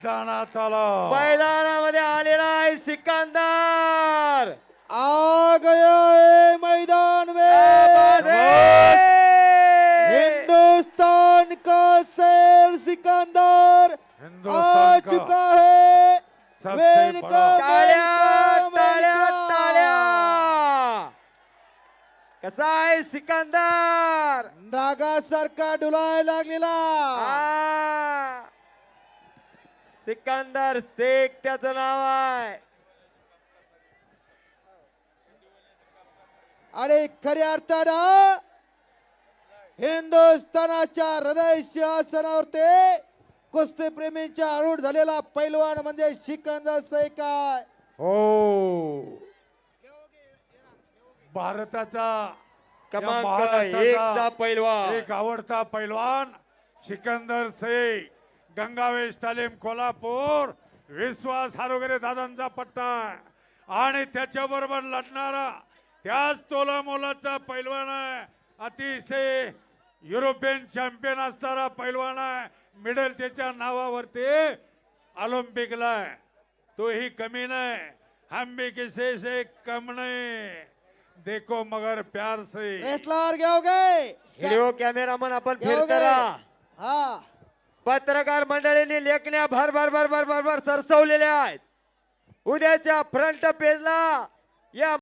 मैदानात आला मैदानामध्ये आलेला आहे सिकंदर आ गया है मैदान में हिंदुस्तान का शेर सिकंदर आ हिंदुस्तान का चुका है। सबसे बड़ा टाळ्या वेलकम टाळ्या वेलकम। टाळ्या कसा आहे सिकंदर नागासारखा डुलायला लागलेला आ, सिकंदर शेख त्याचं नाव आहे आणि खऱ्या अर्थानं हिंदुस्थानाच्या हृदय सिंहासनावरती कुस्ती प्रेमींच्या आरूढ झालेला पैलवान म्हणजे सिकंदर शेख आहे। हो भारताचा या क्रमांक महाराष्ट्राचा एकचा पैलवान एक आवडता पैलवान सिकंदर शेख गंगावेश तालीम कोल्हापूर विश्वास हारोगरे दादांचा पट्टा आहे. आणि त्याच्याबरोबर लढणारा त्याच तोला मोलाचा पैलवान आहे. अतिशय युरोपियन चॅम्पियन असणारा पैलवान आहे. मिडल त्याच्या नावावरती ऑलिम्पिकला आहे. तोही कमी नाही. हम भी किसी से कम नहीं. देखो मगर प्यार से. रेसलर घेओगे व्हिडिओ कॅमेरामन आपण घेओगे फिरकरा हा पत्रकार मंडळींनी लेखण्या भर भर भर भर भर भर सरसवलेल्या आहेत. उद्याच्या फ्रंट पेजला या